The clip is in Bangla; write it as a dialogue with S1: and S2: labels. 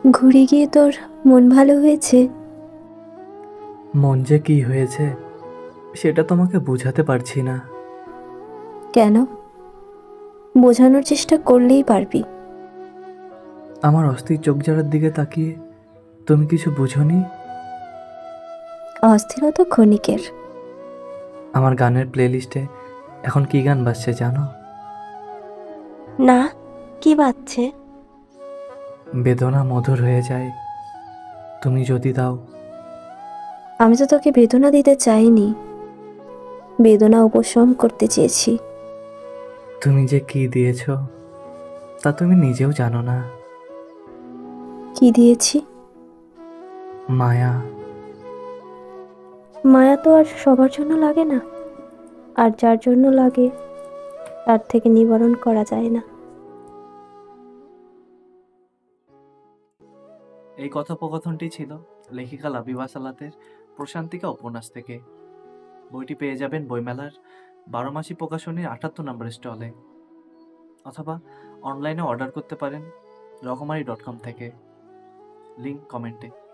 S1: ঘুরে গিয়ে তোর মন ভালো হয়েছে?
S2: মন যে কি হয়েছে সেটা তোমাকে বোঝাতে পারছি না।
S1: কেন? বোঝানোর চেষ্টা করলেই পারবি।
S2: আমার অস্থির চোখ জোড়ার দিকে তাকিয়ে তুমি কিছু বুঝোনি?
S1: অস্থিরতা ক্ষণিকের।
S2: আমার গানের প্লেলিস্টে এখন কি গান বাজছে জানো?
S1: না, কি বাজছে?
S2: বেদনা মধুর হয়ে যায় তুমি যদি দাও।
S1: আমি তো তোকে বেদনা দিতে চাইনি, বেদনা উপশম করতে চেয়েছি।
S2: তুমি যে কি দিয়েছো তা তুমি নিজেও জানো না।
S1: কি দিয়েছি?
S2: মায়া।
S1: মায়া তো আর সবার জন্য লাগে না, আর যার জন্য লাগে তার থেকে নিবারণ করা যায় না।
S2: এই কথোপকথনটি ছিল লেখিকা লাবিবা সালাতের প্রশান্তিকা উপন্যাস থেকে। বইটি পেয়ে যাবেন বইমেলার 12 মাসি প্রকাশনীর 78 নম্বর স্টলে, অথবা অনলাইনে অর্ডার করতে পারেন রকমারি.com থেকে। লিংক কমেন্টে।